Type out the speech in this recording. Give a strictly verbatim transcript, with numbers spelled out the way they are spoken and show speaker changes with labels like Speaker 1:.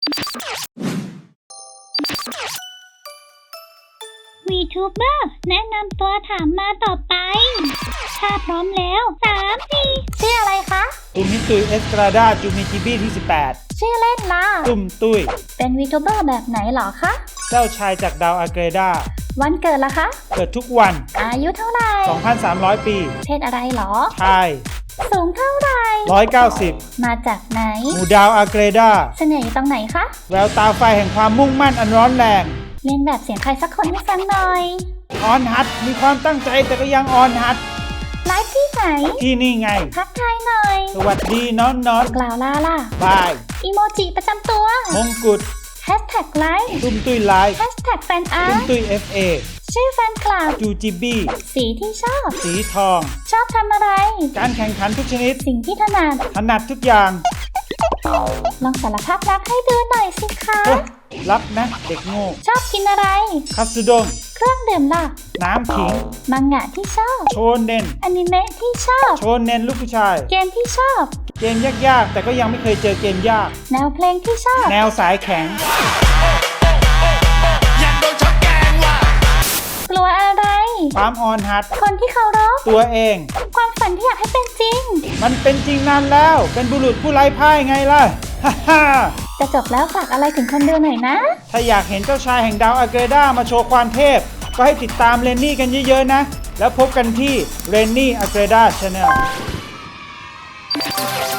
Speaker 1: วีทูเบอร์แนะนำตัวถามมาต่อไปถ้าพร้อมแล้วสามสี่ชื่ออะไรคะ
Speaker 2: ตุมิตุยเอสตราดาจูมิจิบีที่สิบแปด
Speaker 1: ชื่อเล่นล่ะ
Speaker 2: ตุ้มตุ้ย
Speaker 1: เป็นวีทูเบอร์แบบไหนหรอคะ
Speaker 2: เจ้าชายจากดาวอาเกรดา
Speaker 1: วันเกิดล่ะคะ
Speaker 2: เกิดทุกวัน
Speaker 1: อายุเท่าไหร่
Speaker 2: สองพันสามร้อย ปี
Speaker 1: เพศอะไรหรอ
Speaker 2: ชาย
Speaker 1: สูงเท่าไหร่
Speaker 2: หนึ่งร้อยเก้าสิบ
Speaker 1: มาจากไหน
Speaker 2: หมู่ดาวอาเกรดา
Speaker 1: เสน่ห์ตรงไหนคะ
Speaker 2: แววตาไฟแห่งความมุ่งมั่นอันร้อนแรง
Speaker 1: เล่นแบบเสียงใครสักคนให้ฟังหน่อย
Speaker 2: ออนฮัทมีความตั้งใจแต่ก็ยังออนฮัท
Speaker 1: ไลฟ์ที่ไหน
Speaker 2: ที่นี่ไง
Speaker 1: ทักทายหน่อย
Speaker 2: สวัสดีน้องน้อง
Speaker 1: กล่าวลาล่ะ
Speaker 2: บาย
Speaker 1: อีโมจิประจำตัว
Speaker 2: มงกุฎ
Speaker 1: แฮชแท็กไลฟ์
Speaker 2: ตุ้มตุ้ยไลฟ์
Speaker 1: แฮชแท็กแฟนอาร์ต
Speaker 2: ตุ้มตุ้ยเอฟเอ
Speaker 1: ชื่อแฟนคลับ
Speaker 2: จูจิบี
Speaker 1: สีที่ชอบ
Speaker 2: สีทอง
Speaker 1: ชอบทำอะไร
Speaker 2: การแข่งขันทุกชนิด
Speaker 1: สิ่งที่ถนัด
Speaker 2: ถนัดทุกอย่าง
Speaker 1: ลองสารภาพรักให้ดูหน่อยสิคะ
Speaker 2: รับนะเด็กโง่
Speaker 1: ชอบกินอะไร
Speaker 2: คัตสึด้ง
Speaker 1: เครื่องดื่มล่ะ
Speaker 2: น้ำขิง
Speaker 1: มังงะที่ชอบ
Speaker 2: โชเน็น
Speaker 1: อนิเมะที่ชอบ
Speaker 2: โชเน็นลูกผู้ชาย
Speaker 1: เกมที่ชอบ
Speaker 2: เกมยากๆแต่ก็ยังไม่เคยเจอเกมยาก
Speaker 1: แนวเพลงที่ชอบ
Speaker 2: แนวสายแข็ง
Speaker 1: กลัวอะไร
Speaker 2: ความออนฮัท
Speaker 1: คนที่เคารพ
Speaker 2: ตัวเอง
Speaker 1: ความฝันที่อยากให้เป็นจริง
Speaker 2: มันเป็นจริงนานแล้วเป็นบุรุษผู้ไร้พ่ายไงล่ะฮ่าฮ่า
Speaker 1: จะจบแล้วฝากอะไรถึงคนดูหน่อยนะ
Speaker 2: ถ้าอยากเห็นเจ้าชายแห่งดาวอาเกรดามาโชว์ความเทพก็ให้ติดตามเรนนี่กันเยอะๆนะแล้วพบกันที่เรนนี่อาเกรดา Channel